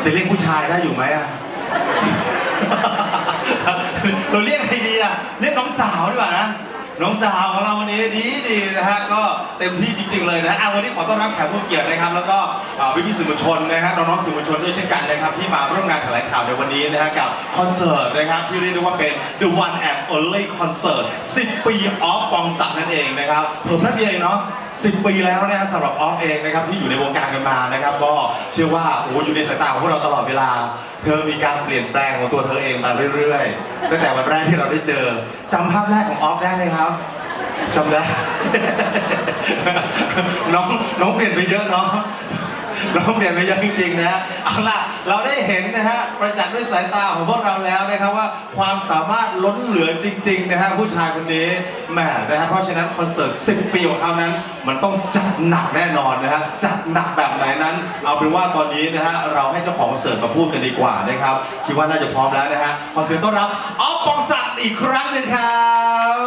จะเรียกผู้ชายได้อยู่ไหมอะ เราเรียกใครดีอะเรียกน้องสาวดีกว่านะน้องสาวของเราวันนี้ดีนะฮะก็เต็มที่จริงๆเลยนะวันนี้ขอต้อนรับแขกผู้เกียรตินะครับแล้วก็พี่สื่อมวลชนนะครับน้องๆสื่อมวลชนด้วยเช่นกันนะครับที่มาร่วมงานแถลงข่าวในวันนี้นะฮะกับคอนเสิร์ตนะครับที่เรียกได้ว่าเป็น The One and Only Concert 10 ปีออฟปองศักดิ์นั่นเองนะครับเพิ่มนัดเดียวเองเนาะ10 ปีแล้วนะฮะสำหรับออฟเองนะครับที่อยู่ในวงการกันมานะครับก็เชื่อว่าโอ้อยู่ในสายตาของพวกเราตลอดเวลาเธอมีการเปลี่ยนแปลงของตัวเธอเองมาเรื่อยๆตั้งแต่วันแรกที่เราได้เจอจำภาพแรกของออฟได้ไหมครับจำได้ น้องเปลี่ยนไปเยอะเนาะน้องเปลี่ยนไปเยอะจริงๆนะฮะเอาล่ะเราได้เห็นนะฮะประจักษ์ด้วยสายตาของพวกเราแล้วนะครับว่าความสามารถล้นเหลือจริงๆนะฮะผู้ชายคนนี้แหมนะฮะเพราะฉะนั้นคอนเสิร์ต10 ปีของเขานั้นมันต้องจัดหนักแน่นอนนะฮะจัดหนักแบบไหนนั้นเอาเป็นว่าตอนนี้นะฮะเราให้เจ้าของคอนเสิร์ตมาพูดกันดีกว่านะครับคิดว่าน่าจะพร้อมแล้วนะฮะขอเสียงต้อนรับออฟปองศักดิ์อีกครั้งหนึ่งครับ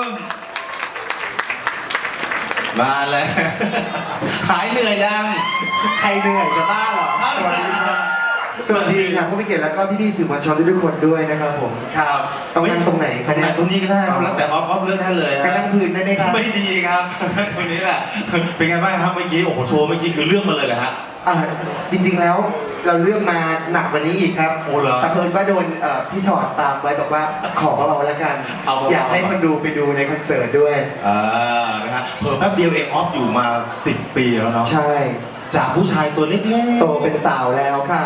มาเลยหายเหนื่อยยังใครเหนื่อยจะบ้าเหรอสวัสดีครับสวัสดีครับผู้มีเกียรติแล้วก็พี่ๆสื่อมวลชนทุกคนด้วยนะครับผมครับตรงไหนครับเนี่ยตรงนี้ก็ได้แล้วแต่ออฟเลือกได้เลยการนั่งพื้นได้ไหมครับไม่ดีครับตรงนี้แหละเป็นไงบ้างครับเมื่อกี้โอ้โหโชว์เมื่อกี้คือเลือกมาเลยเหรอฮะจริงๆแล้วเราเลือกมาหนักกว่านี้อีกครับโอ้เหรอแต่เพิ่นว่าโดนพี่ชอดตามไว้บอกว่าขอเบาๆแล้วกันอยากให้คนดูไปดูในคอนเสิร์ตด้วยนะฮะเพิ่มแป๊บเดียวเองออฟอยู่มา10 ปีแล้วเนาะใช่จากผู้ชายตัวเล็กๆโตเป็นสาวแล้วค่ะ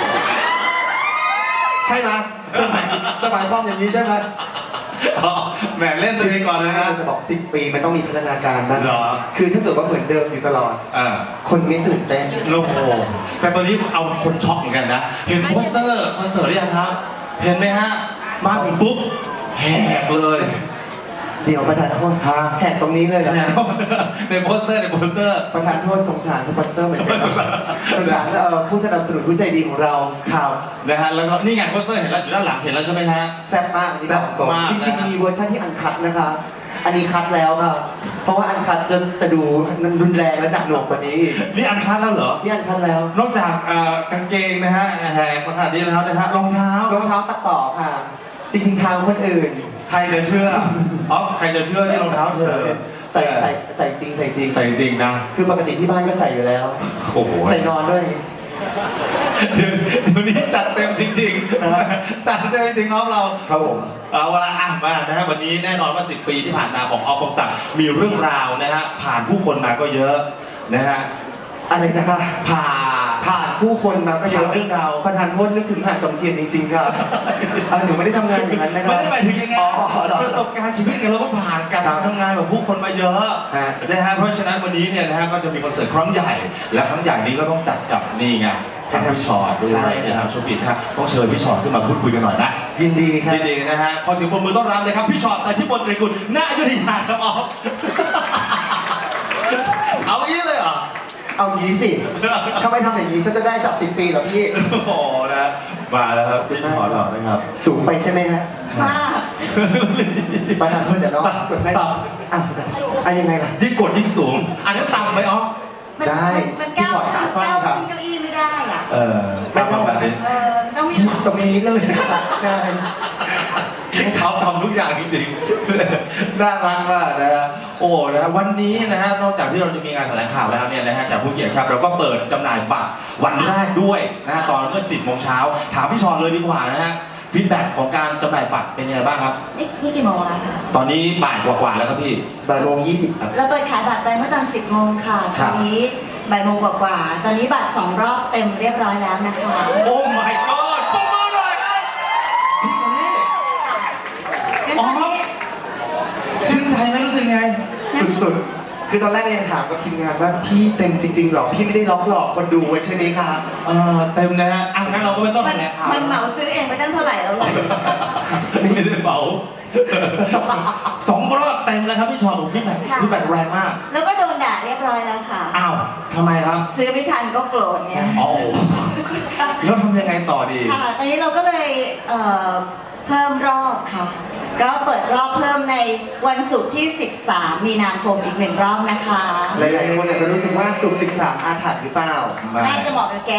ใช่ไหมจะหมายความอย่างนี้ใช่ไหมแหมเล่นตัวเองก่อนเลยนะจะบอก10 ปีมันต้องมีพัฒนาการนะเหรอคือถ้าเกิดว่าเหมือนเดิมอยู่ตลอดคนไม่ตื่นเต้นโอ้โหแต่ตอนนี้เอาคนช็อกเหมือนกันนะเห็นโปสเตอร์คอนเสิร์ตหรือยังครับเห็นไหมฮะมาถึงปุ๊บแหกเลยเดี๋ยวประธานโทษแหกตรงนี้เลยนะในโปสเตอร์ประธานโทษสงสารสปอนเซอร์เหมือนกันสงสารผู้สนับสนุนผู้ใจดีของเราครับนะฮะแล้วก็นี่ไงโปสเตอร์เห็นแล้วอยู่ด้านหลังเห็นแล้วใช่ไหมฮะแซ่บมากแซ่บมากจริงๆมีเวอร์ชันที่อันคัทนะคะอันนี้คัทแล้วค่ะเพราะว่าอันคัทจะดูรุนแรงและหนักหน่วงกว่านี้นี่อันคัทแล้วเหรอนี่อันคัทแล้วนอกจากกางเกงนะฮะแหกขนาดนี้แล้วนะฮะรองเท้ตัดต่อค่ะจริงๆทางคนอื่นใครจะเชื่อใครจะเชื่อนี่รองเท้าเธอใส่จริงนะคือปกติที่บ้านก็ใส่อยู่แล้วโอ้โหใส่นอนด้วยเดี๋ยวนี้จัดเต็มจริงๆจัดเต็มจริงๆเราครับผมเวลามานะฮะวันนี้แน่นอนว่า10 ปีที่ผ่านมาของออฟปองศักดิ์มีเรื่องราวนะฮะผ่านผู้คนมาก็เยอะนะฮะอะไรนะครับผ่านผู้คนมาก็เยอะเรื่องราวประธานโทษนึกถึงหาดจอมเทียนจริงๆครับหนูไม่ได้ทำงานอย่างนั้นนะครับไม่ได้หมายถึงยังไงประสบการณ์ชีวิตกันเราก็ผ่านการทำงานกับผู้คนมาเยอะนะฮะเพราะฉะนั้นวันนี้เนี่ยนะฮะก็จะมีคอนเสิร์ตครั้งใหญ่และครั้งใหญ่นี้ก็ต้องจัดกับนี่ไงทางพี่ชอตด้วยนะครับโชปิดฮะต้องเชิญพี่ชอตขึ้นมาพูดคุยกันหน่อยนะยินดีครับยินดีนะฮะขอเสียงปรบมือต้อนรับเลยครับพี่ชอตแต่ที่บนตรีกุลณอยุธยาครับออฟเอาอี้เลยเหรอเอางี้สิถ้าไม่ทำอย่างนี้ฉันจะได้จับ10 ปีเหรอพี่โอ้นะมาแล้วครับพี่ชอตเรานะครับสูงไปใช่ไหมฮะมากประธานโทษเดี๋ยวน้องกดให้ยังไงล่ะยิ่งกดยิ่งสูงอันนี้ต่ำไปอ๋อได้พี่ชอตขาสั้นครับเก้าอี้ไม่ได้อ่ะไม่ต้องแบบนี้ต้องมีตรงนี้เลยได้เขาทำทุกอย่างจริงๆน่ารักมากนะฮะโอ้นะฮะวันนี้นะฮะนอกจากที่เราจะมีงานแถลงข่าวแล้วเนี่ยนะฮะแขกผู้เกียรติครับเราก็เปิดจำหน่ายบัตรวันแรกด้วยนะฮะตอนเมื่อ10 โมงเช้าถามพี่ชอนเลยดีกว่านะฮะฟีดแบ็กของการจำหน่ายบัตรเป็นยังไงบ้างครับนี่กี่โมงแล้วคะตอนนี้บ่ายกว่าแล้วครับพี่บ่ายโมง20ครับเราเปิดขายบัตรไปเมื่อตอน10 โมงค่ะตอนนี้บ่ายโมงกว่าตอนนี้บัตร2 รอบเต็มเรียบร้อยแล้วนะคะโอ้ my god ปรบมือหน่อยครับจริงเหรอนี่ชื่นใจไหมรู้สึกไงสุดๆคือตอนแรกยังถามกับทีมงานว่าพี่เต็มจริงๆหรอพี่ไม่ได้ล็อกหลอกคนดูไว้ใช่ไหมครับเต็มนะฮะงั้นเราก็ไม่ต้องแถลงข่าวมันเหมาซื้อเองไปตั้งเท่าไหร่แล้วล่ะไม่ได้เหมา2 รอบเต็มเลยครับพี่ชอตฟีดแบ็กแรงมากแล้วก็โดนด่าเรียบร้อยแล้วค่ะอ้าวทำไมครับซื้อไม่ทันก็โกรธไงอ๋อแล้วทำยังไงต่อดีค่ะตอนนี้เราก็เลยเพิ่มรอบค่ะก็เปิดรอบเพิ่มในวันศุกร์ที่ 13 มีนาคมอีก1 รอบนะคะหลายๆคนอาจจะรู้สึกว่าสุข13อาถรรพ์หรือเปล่าน่าจะเหมาะกับแก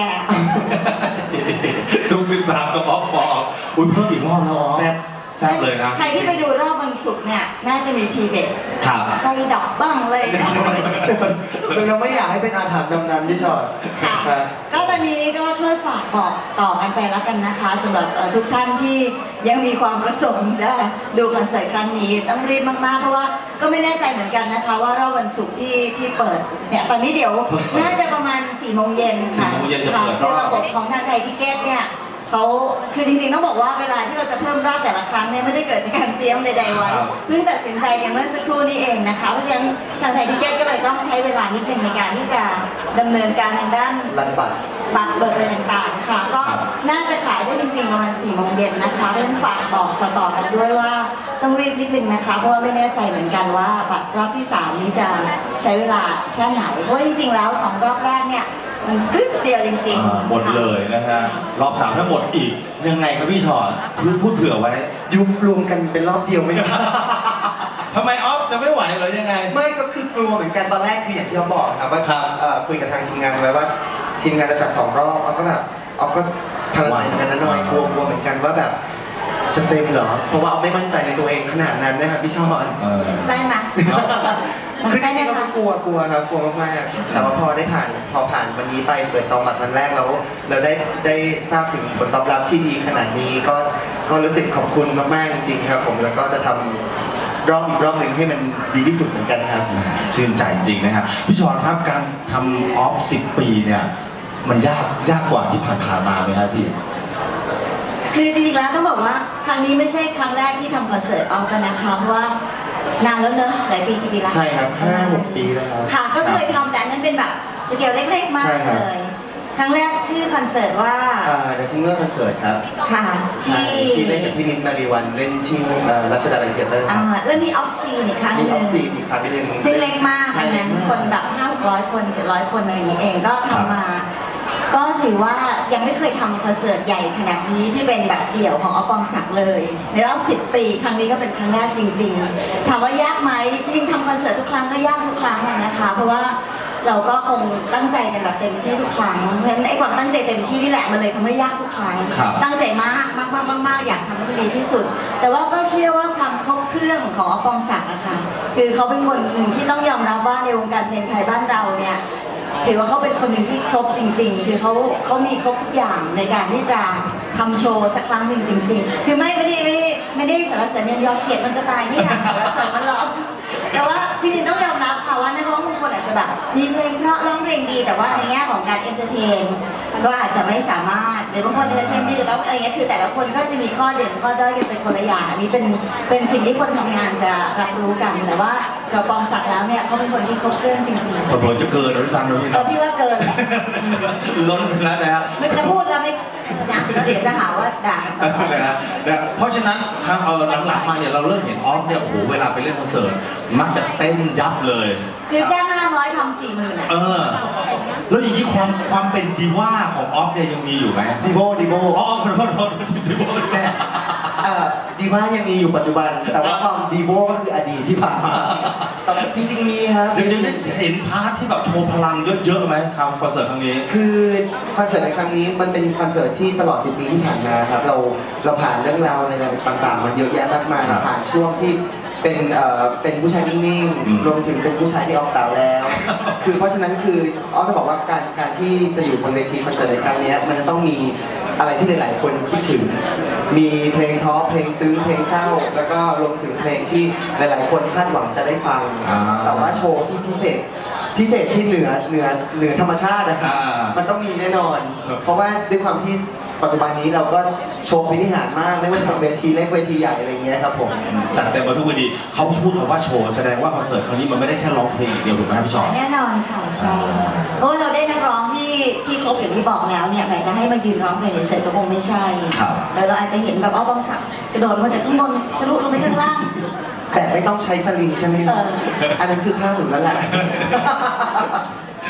ซุก13กับป๊อปปออุ้ยเพิ่มอีกรอบแล้วอ๋อแซ่บแซ่บเลยนะใครที่ไปดูรอบวันศุกร์เนี่ย น่าจะมีทีเด็ดครับไฟดับบ้างเลยเราไม่อยากให้เป็นอาถรรพ์ดำน้ำที่ชอดค่ะครับก็ตอนนี้ก็ช่วยฝากบอกต่อกันไปแล้วกันนะคะสำหรับทุกท่านที่ยังมีความประสงค์จะดูคอนเสิร์ตครั้งนี้ต้องรีบมากๆเพราะว่าก็ไม่แน่ใจเหมือนกันนะคะว่ารอบวันศุกร์ที่เปิดเนี่ยตอนนี้เดี๋ยวน่าจะประมาณ4 โมงเย็นค่ะ 4 โมงเย็นจะเปิดรอบคือระบบของทางไทยทิเก็ตเนี่ยเขาคือจริงๆต้องบอกว่าเวลาที่เราจะเพิ่มรอบแต่ละครั้งเนี่ยไม่ได้เกิดจากการเตรียมใดๆไว้ครับเพิ่งตัดสินใจกันเมื่อสักครู่นี้เองนะคะเพราะฉะนั้นทางไทยทิเก็ตก็เลยต้องใช้เวลานิดนึงในการที่จะดำเนินการทางด้านรันบัตรบัตรเบิกอะไรต่างๆค่ะ ก็น่าจะขายได้จริงๆประมาณ4 โมงเย็นนะคะเพราะฉะนั้นฝากบอกต่อๆกันด้วยว่าต้องรีบนิดนึงนะคะเพราะว่าไม่แน่ใจเหมือนกันว่าบัตรรอบที่ 3 นี้จะใช้เวลาแค่ไหนเพราะว่าจริงๆแล้ว2 รอบแรกเนี่ยมันพรึสเดียวจริงอ่าๆหมดเลยนะฮะรอบ3ถ้าหมดอีกยังไงครับพี่ชอตพูดเผื่อไว้ยุบรวมกันเป็นรอบเดียวไม่ได้ทำไมออฟจะไม่ไหวเหรอยังไงไม่ก็คือกลัวเหมือนกันตอนแรกคืออย่างที่เราบอกครับว่าครับคุยกับทางทีมงานไว้ว่าทีมงานจะจัด2 รอบเอาก็แบบเอาก็พลังเหมือนกันนะหน่อยกลัวเหมือนกันว่าแบบจะเต็มเหรอเพราะว่าเอาไม่มั่นใจในตัวเองขนาดนั้นนะครับพี่ชอนเออใช่ไหมคือจริงๆเราก็กลัวครับกลัวมากๆแต่ว่าพอผ่านวันนี้ไปเปิดซองบัตรวันแรกแล้วเราได้ทราบถึงผลตอบรับที่ดีขนาดนี้ก็รู้สึกขอบคุณมากๆจริงๆครับผมแล้วก็จะทำอีกรอบหนึ่งให้มันดีที่สุดเหมือนกันครับชื่นใจจริงนะครับพี่ชอตครับการทำออฟ10 ปีเนี่ยมันยากกว่าที่ผ่านๆมาไหมครับพี่คือจริงๆแล้วต้องบอกว่าครั้งนี้ไม่ใช่ครั้งแรกที่ทำคอนเสิร์ตออฟกันนะคะเพราะว่านานแล้วเนอะหลายปีกี่ปีละใช่ครับ5-6 ปีแล้วครับค่ะก็เคยทำแต่อันนั้นเป็นแบบสเกลเล็กๆ มากใช่ครับเลย ครั้งแรกชื่อคอนเสิร์ตว่า The Singer Concert ครับค่ะที่ที่เล่นกับพี่นิดมารีวันเล่นที่รัชดาลัยเทียเตอร์แล้วมีออฟซีนอีกครั้งหมีนึออง ฟซีอีกครั้งหนึ่งซึ่งเล็กมากอันนั้นใช่คนแบบ500-600 คน700 คนอะไรอย่างนี้เองก็ทำมา ก็ถือว่ายังไม่เคยทำคอนเสิร์ตใหญ่ขนาดนี้ที่เป็นแบบเดี่ยวของอปองศักดิ์เลย ในรอบ10 ปีครั้งนี้ก็เป็นครั้งแรกจริงๆถามว่ายากไหมจริงๆทำคอนเสิร์ตทุกครั้งก็ยากทุกครั้งอะนะคะ เพราะว่าเราก็คงตั้งใจกันแบบเต็มที่ทุกครั้งเพราะฉะนั้นไอ้ความตั้งใจเต็มที่นี่แหละมันเลยทำให้ยากทุกครั้งครับตั้งใจมากมากมากมากมากอยากทำให้มันดีที่สุด แต่ว่าก็เชื่อว่าความครบเครื่องของอปองศักดิ์นะคะคือเขาเป็นคนหนึ่งที่ต้องยอมรับว่าในวงการเพลงไทยบ้านเราเนี่ย ถือว่าเขาเป็นคนหนึ่งที่ครบจริงๆ คือเขามีครบทุกอย่างในการที่จะทำโชว์สักครั้งหนึ่งจริง ๆ คือไม่ได้สรรเสริญเนียนยอเกียรติมันจะตายไม่อยากสรรเสริญมันหรอกแต่ว่าจริงๆต้องยอมรับค่ะว่านักร้องบางคนอาจจะแบบมีเพลงเพราะร้องเพลงดี แต่ว่าในแง่ของการเอนเตอร์เทนก็อาจจะไม่สามารถหรือบางคนเอนเตอร์เทนดีแต่ร้องอะไรเงี้ยคือแต่ละคนก็จะมีข้อเด่นข้อด้อยกันเป็นคนละอย่างอันนี้เป็นสิ่งที่คนทำงานจะรับรู้กัน แต่ว่าสำหรับปองศักดิ์แล้วเนี่ยเขาเป็นคนที่ครบเครื่องจริงๆผลจะเกินหรือซ้ำหรือพี่พี่ว่าเกินแหละล้นไปแล้วนะครับไม่จะพูดแล้วไม่นะแล้วเดี๋ยวจะหาว่าด่ากันต่อนะเพราะฉะนั้นครั้งหลังๆมาเนี่ยเราเริ่มเห็นออฟเนี่ยโอ้โหเวลาไปเล่นคอนเสิร์ตมักจะเต้นยับเลยคือแจ้ง500ทำ40,000อ่ะเออ แล้วอย่างนี้ความเป็นดีว่าของออฟเนี่ยยังมีอยู่ไหมดีโบอ๋อขอโทษดีว่าแม่ดีว่ายังมีอยู่ปัจจุบัน แต่ว่าความดีโบก็คืออดีตที่ผ่านมาแต่จริงๆมีครับเดี๋ยวจะได้เห็นพาร์ทที่แบบโชว์พลังเยอะๆไหมครับคอนเสิร์ตครั้งนี้คือคอนเสิร์ตในครั้งนี้มันเป็นคอนเสิร์ตที่ตลอด10 ปีที่ผ่านมาครับเราผ่านเรื่องราวอะไรต่างๆมาเยอะแยะมากมายครับผ่านช่วงที่เป็นผู้ชายนิ่งอืมๆรวมถึงเป็นผู้ชายที่ออกสาวแล้ว คือเพราะฉะนั้นคือออฟจะบอกว่าการที่จะอยู่บนเวทีคอนเสิร์ตในครั้งนี้มันจะต้องมีอะไรที่หลายๆคนคิดถึง มีเพลงท้อเพลงซึ้งเพลงเศร้า แล้วก็รวมถึงเพลงที่หลายๆคนคาดหวังจะได้ฟัง แต่ว่าโชว์ที่พิเศษที่เหนือธรรมชาตินะครับ มันต้องมีแน่นอน เพราะว่าด้วยความที่ปัจจุบันนี้เราก็โชว์พิธีหารมากไม่ว่าจะเป็นเวทีเล็กเวทีใหญ่อะไรเงี้ยครับผมจัดเต็มมาทุกเวทีเขาพูดคำว่าโชว์แสดงว่าคอนเสิร์ตครั้งนี้มันไม่ได้แค่ร้องเพลงอย่างเดียวถูกไหมครับพี่ชอตแน่นอนค่ะใช่เพราะว่าเราได้นักร้องที่ครบอย่างที่บอกแล้วเนี่ยแหมจะให้มายืนร้องเพลงเฉยๆก็คงไม่ใช่ครับแต่เราอาจจะเห็นแบบปองศักดิ์กระโดดมาจากข้างบนทะลุลงไปข้างล่างแต่ไม่ต้องใช้สลิงใช่ไหมครับเอออันนั้นคือข้าวหนุนแล้วแหละ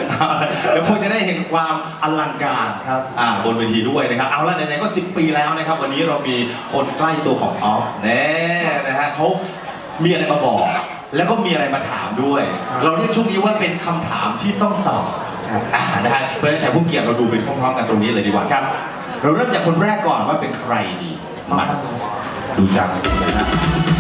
เดี๋ยวคงจะได้เห็นความอลังการครับบนเวทีด้วยนะครับเอาละไหนๆก็10 ปีแล้วนะครับวันนี้เรามีคนใกล้ตัวของออฟแน่นะฮะเขามีอะไรมาบอก แล้วก็มีอะไรมาถามด้วย เราเรียกช่วงนี้ว่าเป็นคำถามที่ต้องตอบครับนะฮะเพราะฉะนั้นแขกผู้เกียรติเราดูเป็นพร้อมๆกันตรงนี้เลยดีกว่าครับ เราเริ่มจากคนแรกก่อนว่าเป็นใครดีมาดูจากนะฮะ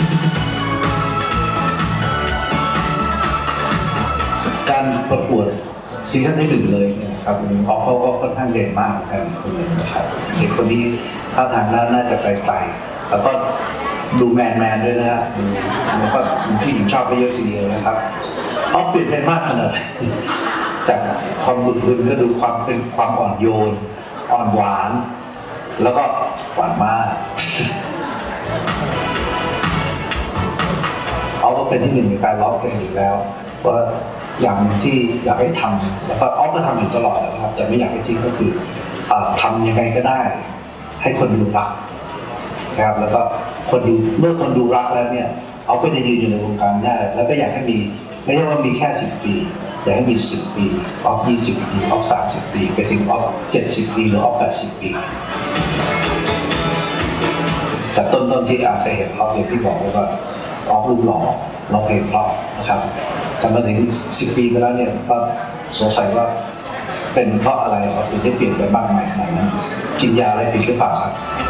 การประกวดซีซั่นที่ 1เลยเนี่ยครับออฟเขาก็ค่อนข้างเด่นมากเหมือนกันนะครับเด็กคนนี้ท่าทางน่าจะไปแล้วก็ดูแมนด้วยนะฮะแล้วก็พี่หญิงชอบไปเยอะทีเดียวนะครับออฟเปลี่ยนไปมากขนาดไหนจากความบึนๆก็ดูความเป็นความอ่อนโยนอ่อนหวาน แล้วก็หวานมากออฟก็เป็นที่หนึ่งในการร้องเพลงอยู่แล้วว่าอย่างที่อยากให้ทำแล้วก็ออฟก็ทำอยู่ตลอดนะครับแต่ไม่อยากให้ทิ้งก็คือทำยังไงก็ได้ ให้คนดูรักนะครับแล้วก็เมื่อคนดูรักแล้วเนี่ยออฟก็จะยืนอยู่ในวงการได้แล้วก็อยากให้มีไม่ใช่ว่ามีแค่10 ปีอยากให้มี10 ปีออฟ20 ปีออฟ30 ปีไปถึงออฟ70 ปีหรือออฟ80 ปีแต่ต้นที่เคยเห็นออฟอย่างที่บอกว่าออฟรูปหล่อร้องเพลงเพราะนะครับแต่มาถึง10 ปีไปแล้วเนี่ยก็สงสัยว่าเป็นเพราะอะไรออฟถึงได้เปลี่ยนไปมากมายขนาดนั้นกินยาอะไรผิดหรือเปล่าครับ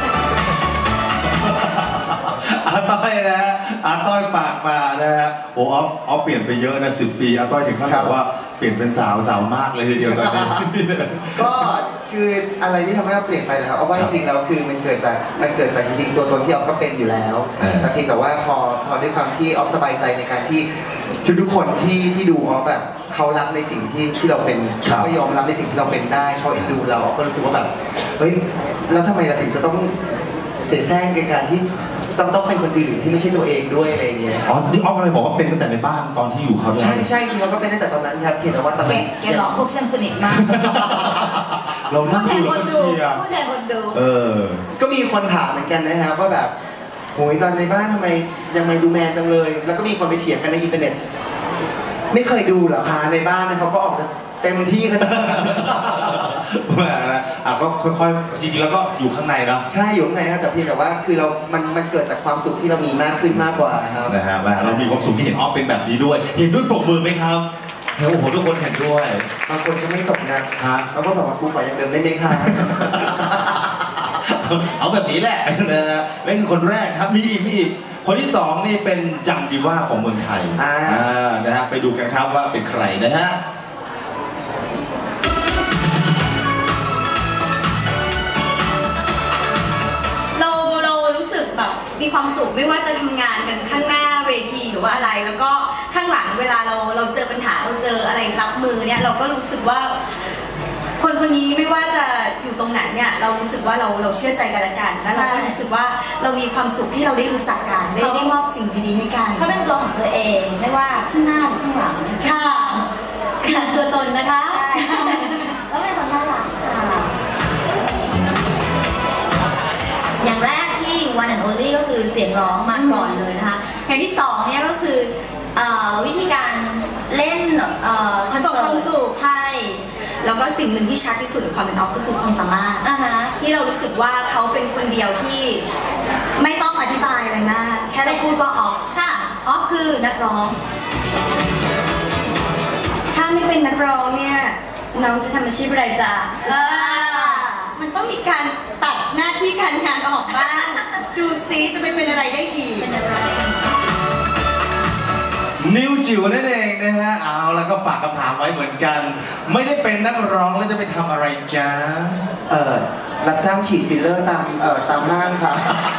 อาต้อยนะฮะอาต้อยปากมานะฮะโอ้ออฟเปลี่ยนไปเยอะนะ10 ปีอาต้อยถึงขั้นบอกว่าเปลี่ยนเป็นสาวมากเลยทีเดียวตอนนี้ก็คืออะไรที่ทำให้เราเปลี่ยนไปนะครับเอาว่าจริงๆแล้วคือมันเกิดจากจริงๆตัวตนที่ออฟก็เป็นอยู่แล้วแต่เพียงแต่ว่าพอด้วยความที่ออฟสบายใจในการที่ทุกคนที่ดูออฟแบบเขารักในสิ่งที่เราเป็นเขายอมรับในสิ่งที่เราเป็นได้เขาเอ็นดูเราก็รู้สึกว่าแบบเฮ้ยแล้วทำไมเราถึงจะต้องเสียแซงในการที่ต้องเป็นคนอื่นที่ไม่ใช่ตัวเองด้วยอะไรเงี้ยอ๋อนี่ออฟอะไรบอกว่าเป็นตั้งแต่ในบ้านตอนที่อยู่เขาด้วยใช่จริงๆเราก็เป็นตั้งแต่ตอนนั้นครับเพียงแต่ว่าตอนนั้นแกหลอกพวกฉันสนิทมากเรานั่งดูแล้วก็เชียร์พูดแทนคนดูก็มีคนถามเหมือนกันนะครับว่าแบบโหยตอนในบ้านทำไมยังไม่ดูแมนจังเลย แล้วก็มีคนไปเถียงกันในอินเทอร์เน็ต ไม่เคยดูเหรอคะในบ้านเขาก็ออกจะเต็มที่ขนาดนั้นแหมนะก็ค่อยๆจริงๆแล้วก็อยู่ข้างในเนาะใช่อยู่ข้างในครับแต่เพียงแต่ว่าคือมันเกิดจากความสุขที่เรามีมากขึ้นมากกว่าครับนะฮะเรามีความสุขที่เห็นออฟเป็นแบบนี้ด้วย เห็นด้วยปรบมือไหมครับโอ้โหทุกคนเห็นด้วยบางคนก็ไม่ตกนะแล้วก็แบบว่ากูขอยังเดิมได้ไหมคะเอาแบบนี้แหละนะฮะนั่นคือคนแรกครับมีอีกคนที่สองนี่เป็นจังดีว่าของเมืองไทยนะฮะไปดูกันครับว่าเป็นใครนะฮะเรารู้สึกแบบมีความสุขไม่ว่าจะทำงานกันข้างหน้าเวทีหรือว่าอะไร แล้วก็ข้างหลังเวลาเราเจอปัญหาเราเจออะไรรับมือเนี่ยเราก็รู้สึกว่าคนนี้ไม่ว่าจะอยู่ตรงไหนเนี่ยเรารู้สึกว่าเราเชื่อใจกันและกันแล้วเราก็รู้สึกว่าเรามีความสุขที่เราได้รู้จักกันได้มอบสิ่งดีๆให้กันเขาเป็นตัวของตัวเองไม่ว่าข้างหน้าหรือข้างหลังค่ะตัวตนนะคะแล้วเป็นคนน่ารักค่ะอย่างแรกที่ one and only ก็คือเสียงร้องมาก่อนเลยนะคะอย่างที่สองเนี่ยก็คือวิธีการเล่นคอนเสิร์ตส่งความสุขใช่แล้วก็สิ่งหนึ่งที่ชัดที่สุดของความเป็นออฟก็คือความสามารถที่เรารู้สึกว่าเขาเป็นคนเดียวที่ไม่ต้องอธิบายอะไรมากแค่เราพูดว่าออฟค่ะออฟคือนักร้องถ้าไม่เป็นนักร้องเนี่ยน้องจะทำอาชีพอะไรจ๊ะมันต้องมีการตัดหน้าที่การงานออกบ้าง ดูซิจะไปเป็นอะไรได้อีกนิวจิ๋วนั่นเองนะฮะเอาแล้วก็ฝากคำถามไว้เหมือนกัน ไม่ได้เป็นนักร้องแล้วจะไปทำอะไรจ๊ะรับจ้างฉีดฟิลเลอร์ตามห้างครับ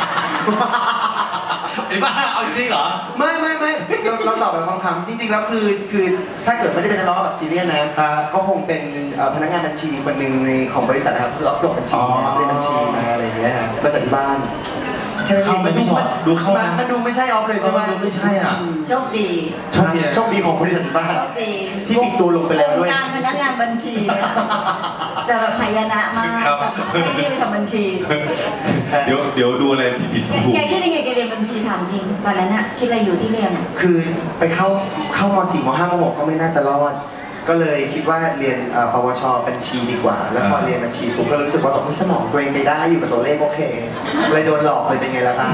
ไอ้บ้าเอาจริงเหรอไม่เราตอบแบบคำถามจริงๆแล้วคือถ้าเกิดไม่ได้เป็นนักร้องแบบซีเรียสนะก็คงเป็นพนักงานบัญชีคนหนึ่งในของบริษัทนะครับคือรับจบบัญชีเรียนบัญชีมาอะไรอย่างเงี้ยครับบริษัทที่บ้านแค่นั้นเองมันดูไม่ใช่ออฟเลยใช่ไหมดูไม่ใช่อ่ะโชคดีโชคดีของบริษัทที่บ้านโชคดีที่ติดตัวลงไปแล้วด้วยการพนักงานบัญชีเนี่ยจะแบบหายนะมากครับไม่ได้ไปทำบัญชีเดี๋ยวดูอะไรผิดถูกแกคิดยังไงแกเรียนบัญชีถามจริง ตอนนั้นอะคิดอะไรอยู่ที่เรียนอะคือไปเข้าม .4 ม .5 ม .6 ก็ไม่น่าจะรอดก็เลยคิดว่าเรียนปวชบัญชีดีกว่า แล้วพอเรียนบัญชีปุ๊บก็รู้สึกว่าแบบสมองตัวเองไปได้อยู่กับตัวเลขโอเค เลยโดนหลอกเลยเป็นไงล่ะครับ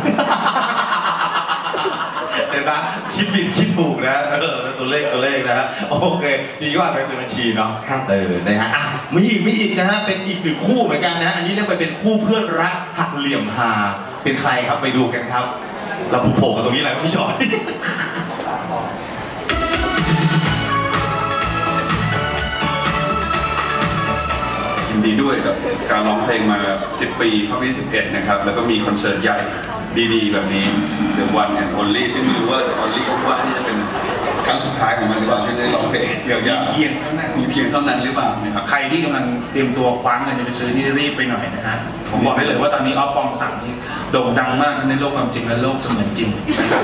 เห็นปะคิดผิดคิดถูกนะตัวเลขนะฮะโอเคจริงๆว่าเป็นบัญชีเนาะครับนะฮะอ่ะมีอีกนะฮะเป็นอีกหนึ่งคู่เหมือนกันนะฮะอันนี้เรียกว่าเป็นคู่เพื่อนรักหักเหลี่ยมฮาเป็นใครครับไปดูกันครับ เราผูกโผล่กันตรงนี้แหละครับพี่ชอยยินดีด้วยกับการร้องเพลงมา 10 ปีเข้าปี11 นะครับ แล้วก็มีคอนเสิร์ตใหญ่ดีๆ แบบนี้ The One and Only ซึ่งไม่รู้ว่า Only ว่าที่จะเป็นครั้งสุดท้ายของมันหรือเปล่าที่ได้ร้องเพลงยาวๆเพียงเท่านั้นมีเพียงเท่านั้นหรือเปล่านะครับใครที่กำลังเตรียมตัวคว้าเงินจะไปซื้อนี่รีบไปหน่อยนะฮะ ผมบอกได้เลยว่าตอนนี้ออฟปองศักดิ์นี่โด่งดังมากทั้งในโลกความจริงและโลกเสมือนจริงนะครับ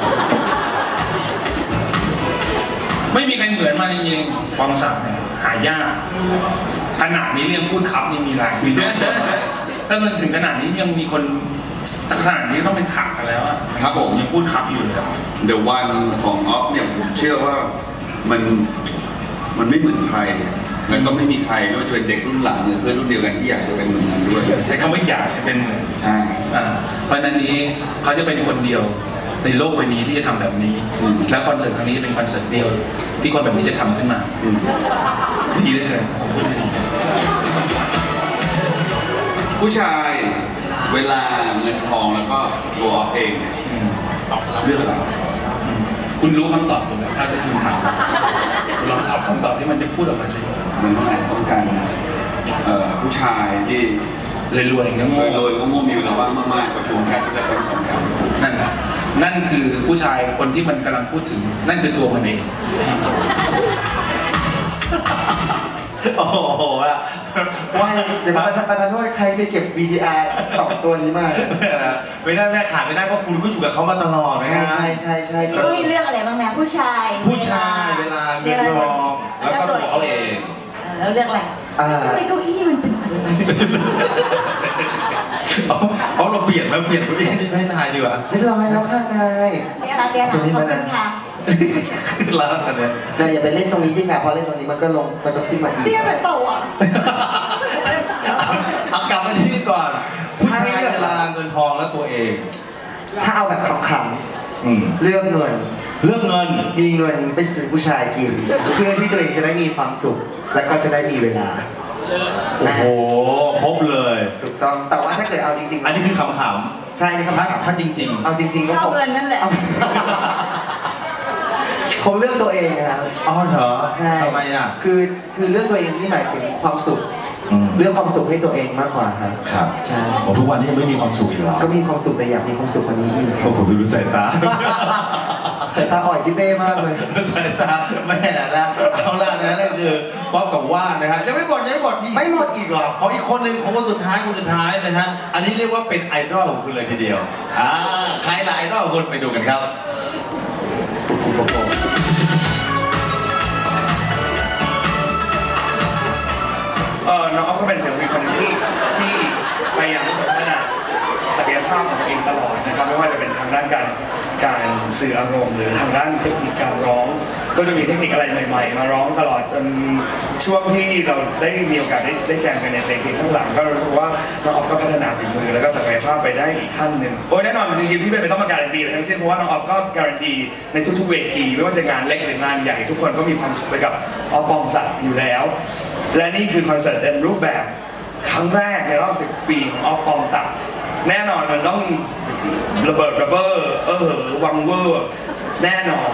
ไม่มีใครเหมือนมันจริงๆปองศักดิ์เนี่ยหายากขนาดนี้เรื่องพูดครับนี่มีหลายมีด้วยถ้ามันถึงขนาดนี้ยังมีคนสักขนาดนี้ต้องเป็นขับกันแล้วอะครับผมยังพูดครับอยู่เลยอะ The One ของออฟเนี่ยผมเชื่อว่ามันไม่เหมือนใคร แล้วก็ไม่มีใครไม่ว่าจะเป็นเด็กรุ่นหลังหรือเพื่อนรุ่นเดียวกันที่อยากจะเป็นเหมือนกันด้วยใช้คำว่าอยากจะเป็นเหมือนใช่เพราะฉะนั้นนี้เขาจะเป็นคนเดียวในโลกใบนี้ที่จะทำแบบนี้ และคอนเสิร์ตครั้งนี้เป็นคอนเสิร์ตเดียวที่คนแบบนี้จะทำขึ้นมาอืมดีเหลยเกินผมพูดไม่ดีผู้ชายเวลาเงินทองแล้วก็ตัวออฟเองเนี่ยอืมเลือกอะไรคุณรู้คำตอบผมไหมถ้าจะคุณถามลองตอบคำตอบที่มันจะพูดออกมาสิมันต้องการผู้ชายที่เลยรวยๆก็โง่โดยก็ง่มีเวลาว่างมากๆประชุมแค่ที่จะเป็นสองกันนั่นคือผู้ชายคนที่มันกำลังพูดถึง นั่นคือตัวมันเองโอ้โหละว่าเดี๋ยวประธานโทษใครไปเก็บ VTR สองตัวนี้มาไม่ได้แม่ขาดไม่ได้เพราะคุณก็อยู่กับเขามาตลอดนะฮะใช่นี่ก็มีเรื่องอะไรบ้างนะผู้ชายผู้ชายเวลาเงินทองแล้วก็ตัวเขาเองแล้วเรื่องอะไรทำไมเก้าอี้มันเป็นอะไรเอาเราเปลี่ยนเก้าอี้ให้นายดีกว่าเรียบร้อยแล้วค่ะนายเนี่ยนะขอบคุณค่ะแล้วกันเนี่ยนายอย่าไปเล่นตรงนี้สิค่ะพอเล่นตรงนี้มันก็ขึ้นมาอีกเตี้ยเป็นเปล่าอ่ะเอากลับมาที่นี่ก่อนผู้ชายเวลาเงินทองและตัวเองถ้าเอาแบบขำๆเลือกเงินเรื่องเงินมีเงินไปซื้อผู้ชายกิน เพื่อที่ตัวเองจะได้มีความสุข และก็จะได้มีเวลาโอ้โหครบเลยถูกต้องแต่ว่าถ้าเกิดเอาจริงๆอันนี้คือขำๆใช่นี่ครับถ้าจริงเอาจริงๆก็เอาเงินนั่นแหละผมเลือกตัวเองครับๆอ๋อเหรอใช่ทำไมอ่ะคือเลือกตัวเองนี่หมายถึงความสุข เลือกความสุขให้ตัวเองมากกว่าครับครับใช่โอ้ทุกวันนี้ยังไม่มีความสุขอีกเหรอก็มีความสุขแต่อยากมีความสุขกว่านี้อีกโอ้ผมดูสายตาสายตาอ่อยพี่เต้มากเลยสายตาแม่นะเอาละนะนั่นคือป๊อปกับว่านนะครับยังไม่หมดมีไม่หมดอีกเหรอขออีกคนหนึ่งของคนสุดท้ายนะฮะอันนี้เรียกว่าเป็นไอดอลของคุณเลยทีเดียวใครล่ะไอดอลของคุณไปดูกันครับน้องอ๊อฟก็เป็นศิลปินคนหนึ่งที่พยายามที่จะพัฒนาศักยภาพของตัวเองตลอดนะครับไม่ว่าจะเป็นทางด้านการสื่ออารมณ์หรือทางด้านเทคนิคการร้อง ก็จะมีเทคนิคอะไรใหม่ๆ มาร้องตลอดจนช่วงที่เราได้มีโอกาสได้แจมกันในเพลงข้างหลังก็รู้สึกว่าน้องอ๊อฟก็พัฒนาฝีมือแล้วก็ศักยภาพไปได้อีกขั้นหนึ่งโอ้ยแน่นอนจริงๆพี่ไม่ต้องมาการันตีทั้งสิ้นเพราะว่าน้องอ๊อฟก็การันตีในทุกๆเวทีไม่ว่าจะงานเล็กหรืองานใหญ่ทุกคนก็มีความสุขไปกับอ๊อฟปองศักดิ์อยู่แล้ว และนี่คือคอนเสิร์ตเต็มรูปแบบครั้งแรกในรอบ 10 ปีของออฟปองศักดิ์แน่นอนมันต้องระเบิดระเบ้อวังเวอร์แน่นอน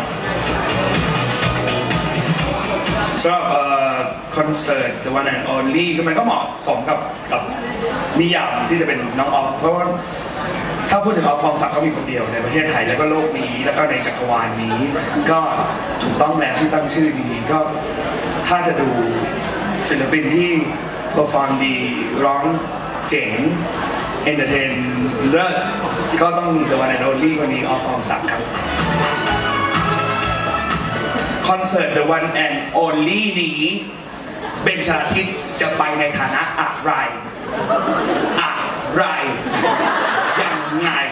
สำหรับคอนเสิร์ต The One and Only ก็มันก็เหมาะสมกับนิยามที่จะเป็นน้องออฟเพราะว่าถ้าพูดถึงออฟปองศักดิ์ก็มีคนเดียวในประเทศไทยแล้วก็โลกนี้แล้วก็ในจักรวาลนี้ ก็ถูกต้องแล้วที่ตั้งชื่อนี้ก็ถ้าจะดูศิลปินที่เปอร์ฟอร์มดีร้องเจ๋งเอนเตอร์เทนเลิศก็ต้อง The One and Only คนนี้ออฟปองศักดิ์ครับคอนเสิร์ต The One and Only นี้เบนชลาทิศจะไปในฐานะอะไรยังไง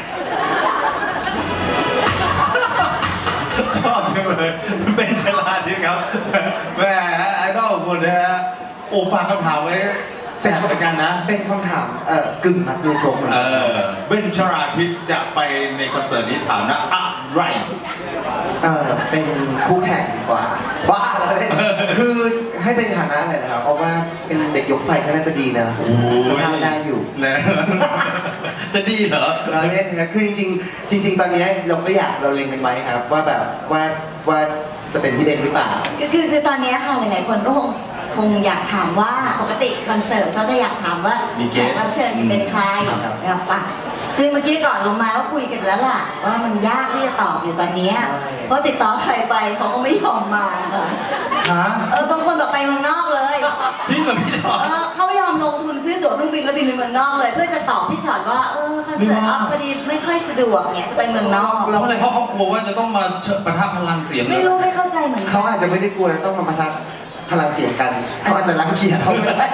ชอบจังเลยเป็นฉลาดดีครับแหมไอดอลนะฮะโอ้ฝากคำถามไว้แสบเหมือนกันนะเป็นคำถามกึ่งมัดมือชกเหมือนกันเบนชราทิพย์จะไปในคอนเสิร์ตนี้ฐานะอะไรเป็นคู่แข่งดีกว่าบ้าเลยคือให้เป็นฐานะอะไรนะครับเพราะว่าเป็นเด็กยกไฟก็น่าจะดีนะสภาพได้อยู่นะ จะดีเหรอเราเล่นนะคือจริงๆตอนนี้เราเล็งกันไว้ครับว่าแบบว่าจะเป็นพี่เบนหรือเปล่าคือตอนนี้ค่ะหลายๆคนก็คงอยากถามว่าปกติคอนเสิร์ตเขาจะอยากถามว่ามีแข guest กรับเชิญจะเป็นใครครับนะครับปะซึ่งเมื่อกี้ก่อนลงมาก็คุยกันแล้วล่ะว่ามันยากที่จะตอบอยู่ตอนนี้เพราะติดต่อใครไปเขาก็ไม่ยอมมาค่ะฮะบางคนแบบไปเมืองนอกเลยจริงเหรอพี่ชอตเขาไม่ยอมลงทุนซื้อตั๋วเครื่องบินแล้วบินไปเมืองนอกเลย เพื่อจะตอบพี่ชอตว่าคอนเสิร์ตออฟพอดีไม่ค่อยสะดวกเนี่ยจะไปเมืองนอกแล้วอะไรเพราะเขากลัวว่าจะต้องมาปะทะพลังเสียงไม่รู้ไม่เข้าใจเหมือนกัเขาอาจจะไม่ได้กลัวต้องมาปะทะพลังเสียงกันเขาอาจจะรังเกียจเขาก็ได้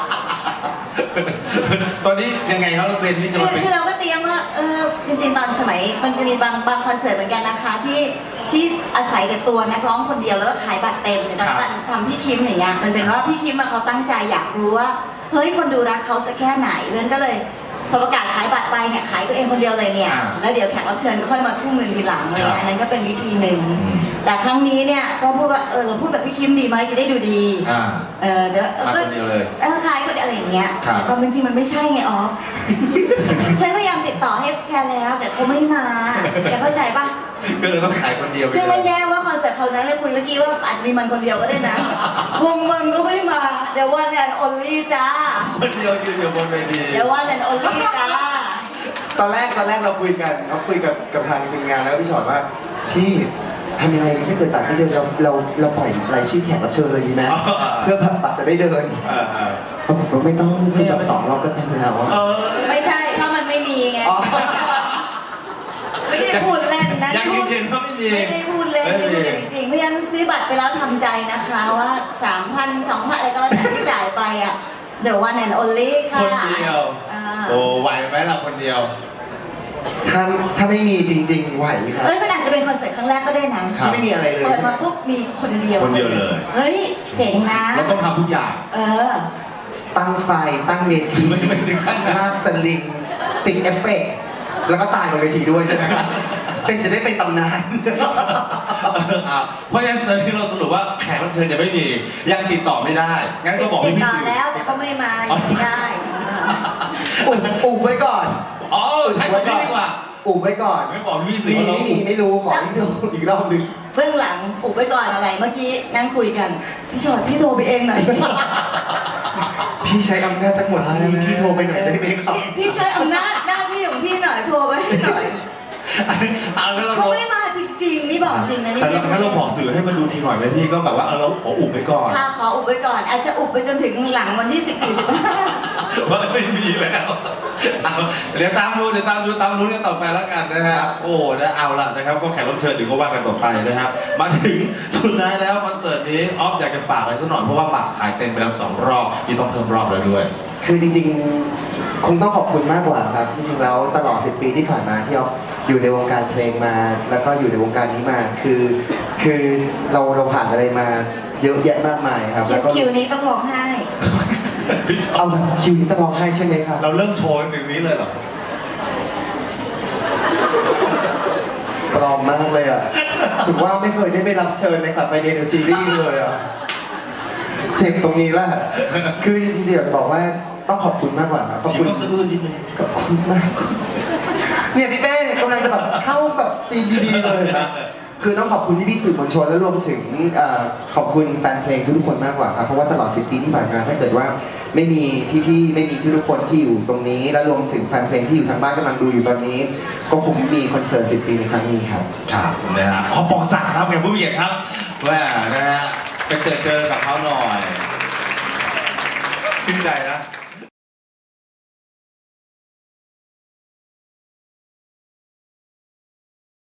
ตอนนี้ยังไงครับเราเป็นนี่จะมาเป็นคือเราก็เตรียมว่าจริงๆตอนสมัยมันจะมีบางคอนเสิร์ตเหมือนกันนะคะที่อาศัยแต่ตัวนักร้องคนเดียวแล้วก็ขายบัตรเต็มเนี่ยตอนทำพี่คิมอย่างเงี้ยมันเป็นว่าพี่คิมเขาตั้งใจอยากรู้ว่าเฮ้ยคนดูรักเขาสักแค่ไหนเรื่องก็เลยพอประกาศขายบัตรไปเนี่ยขายตัวเองคนเดียวเลยเนี่ยแล้วเดี๋ยวแขกรับเชิญก็ค่อยมาทุ่มเงินทีหลังเลยอันนั้นก็เป็นวิธีหนึ่งแต่ครั้งนี้เนี่ยก็พูดว่าเราพูดแบบพี่คิมดีไหมจะได้ดูดีเดี๋ยวมาคนเดียวเลยขายก็อะไรอย่างเงี้ยครับแต่ความเป็นจริงมันไม่ใช่ไงอ๋อ ฉันพยายามติดต่อให้แกแล้วแต่เขาไม่มาแกเข้าใจปะก็เลยต้องขายคนเดียวไปซึ่งเลไม่ยแน่ว่าคอนเสิร์ตเขานั้นเลยคุยเมื่อกี้ว่าอาจจะมีมันคนเดียวก็ได้นะ วงมันก็ไม่มา เดี๋ยววันแอนออนลี่จ้าคนเดียวยืนอยู่บนเวทีเดี๋ยววันแอนออนลี่จ้าตอนแรกเราคุยกับทางทีมงานแล้วพี่ชอตว่าพี่ทำยังไงดีถ้าเกิดตัดไม่เดินเราปล่อยรายชื่อแขกรับเชิญเลยดีไหมเพื่อบัตรจะได้เดินเขาบอกว่าไม่ต้องคือแบบ2 รอบก็เต็มแล้วอะไม่ใช่เพราะมันไม่มีไงอ๋อไม่ได้พูดเล่นนะยังยืนยันว่าไม่มีไม่ได้พูดเล่นไม่ได้พูดจริงๆเพราะฉะนั้นซื้อบัตรไปแล้วทำใจนะคะว่า 3,000 2,000อะไรก็แล้วแต่ที่จ่ายไปอ่ะเดี๋ยววันแอนออนลี่ค่ะคนเดียว โอ้ไหวไหมล่ะคนเดียวถ้าไม่มีจริงๆไหวครับมันอาจจะเป็นคอนเสิร์ตครั้งแรกก็ได้นะครับที่ไม่มีอะไรเลยเปิดมาปุ๊บมีคนเดียวคนเดียวเลยเฮ้ยเจ๋งนะเราต้องทำทุกอย่างตั้งไฟตั้งเวทีไม่ถึงขั้นนั้นลากสลิงติดเอฟเฟกต์แล้วก็ตายบนเวทีด้วยใช่ไหมครับเป็นจะได้เป็นตำนานเพราะฉะนั้นตอนนี้เราสรุปว่าแขกรับเชิญยังไม่มียังติดต่อไม่ได้ งั้นก็บอกติพี่ดพี่ต่อสื่อแล้วแต่เขาไม่มายังไม่ได้อุบไว้ก่อนอ๋อใช่คนนี้ดีกว่าอุบไว้ก่อนไม่บอกพี่สื่อมีว่าเราไม่รู้ขอที่ดูอีกรอบหนึงเบื้องหลังอุบไว้ก่อนอะไรเมื่อกี้นั่งคุยกันพี่ชอดพี่โทรไปเองหน่อยพี่ใช้อำนาจทั้งหมดพี่โทรไปหน่อยได้ไหมครับพี่ใช้อำนาจหน้าที่ของพี่หน่อยโทรไปให้หน่อยเอางั้นเราเขาไม่มาจริงๆนี่บอกจริงนะนี่แต่งั้นเราบอกสื่อให้มาดูดีหน่อยไหมพี่ก็แบบว่าเราขออุบไว้ก่อนค่ะขออุบไว้ก่อน อาจจะอุบไปจนถึงหลังวันที่14-15 ว่าไม่มีแล้วเอาเดี๋ยวตามดูตามดูกันต่อไปแล้วกันนะครับ โอ้นะเอาละนะครับ ก็แขกรับเชิญถึงก็ว่ากันต่อไปนะครับ มาถึงสุดท้ายแล้วคอนเสิร์ตนี้ออฟอยากจะฝากอะไรสักหน่อยเพราะว่าบัตรขายเต็มไปแล้ว2 รอบนี่ต้องเพิ่มรอบแล้วด้วยคือจริงๆ คงต้องขอบคุณมากกว่าครับ จริงๆ แล้วตลอด 10 ปีที่ผ่านมาที่เราอยู่ในวงการเพลงมา แล้วก็อยู่ในวงการนี้มา คือเราผ่านอะไรมาเยอะแยะมากมายครับ แล้วก็คิวนี้ต้องร้องไห้พี่ชอเอาบคิวนี้ต้องร้องไห้ใช่ไหมครับเราเริ่มโชว์ถึงนี้เลยเหรอปลอมมากเลยอ่ะถือว่าไม่เคยได้ไปรับเชิญในคลับไฟเดย์ซีรีส์เลยอ่ะเสพตรงนี้แหละคือจริงๆอยากบอกว่าต้องขอบคุณมากกว่าครับขอบเสียคุงณก็สะอื้นนิดนึงขอบคุณมาก เนี่ยพี่เต้กำลังจะแบบเข้าแบบซีนดีๆเลยนะคือต้องขอบคุณพี่ๆสื่อมวลชนและรวมถึงขอบคุณแฟนเพลงทุกๆคนมากกว่าครับเพราะว่าตลอด10 ปีที่ผ่านมาถ้าเกิดว่าไม่มีพี่ๆไม่มีทุกๆคนที่อยู่ตรงนี้ และรวมถึงแฟนเพลงที่อยู่ทางบ้านกำลังดูอยู่ตอนนี้ ก็คงมีคอนเสิร์ต10 ปีในครั้งนี้ครับครับนะฮะขอบอกสั่งครับแขกผู้มีเกียรติครับว่านะฮะไปเจอกับเขาหน่อยชื่นใจนะ